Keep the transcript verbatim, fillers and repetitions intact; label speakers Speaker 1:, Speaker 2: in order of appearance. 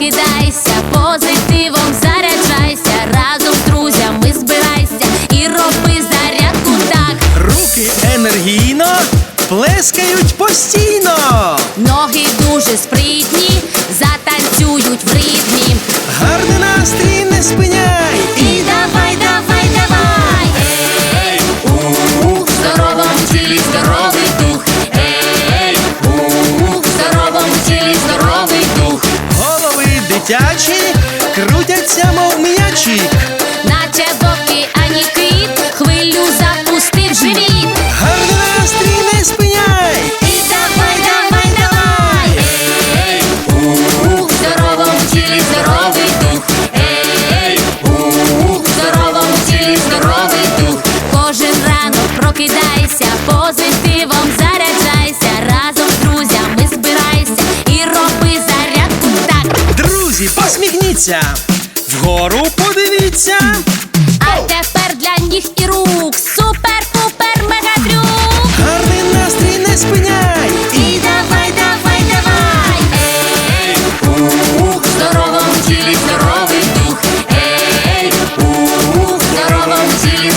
Speaker 1: прокидайся, позитивом заряджайся, разом з друзями збирайся і роби зарядку так.
Speaker 2: Руки енергійно плескають постійно.
Speaker 1: Ноги дуже спритні, затанцюють в ритмі.
Speaker 2: Гарний настрій не спиняй.
Speaker 1: І давай, давай, давай. Ей, у, в здоровому тілі здоровий дух. Ей, у, в здоровому тілі здоровий дух.
Speaker 2: Голови дитячі крутяться, мов м'ячі.
Speaker 1: Наче в океані кит, хвилю запустив живіт.
Speaker 2: Гарний настрій не спиняй.
Speaker 1: І давай, давай, давай. Ей, у, в здоровому тілі здоровий дух. Ей, у, в здоровому тілі здоровий дух. Кожен ранок прокидайся, позитивом заряджайся, разом з друзями збирайся і роби зарядку так.
Speaker 2: Друзі, посміхніться, вгору подивіться.
Speaker 1: А тепер для ніг і рук супер-пупер мегатрюк.
Speaker 2: Гарний настрій не спиняй.
Speaker 1: І давай, давай, давай. Ей, у, в здоровому тілі здоровий дух. Ей, у, в здоровому тілі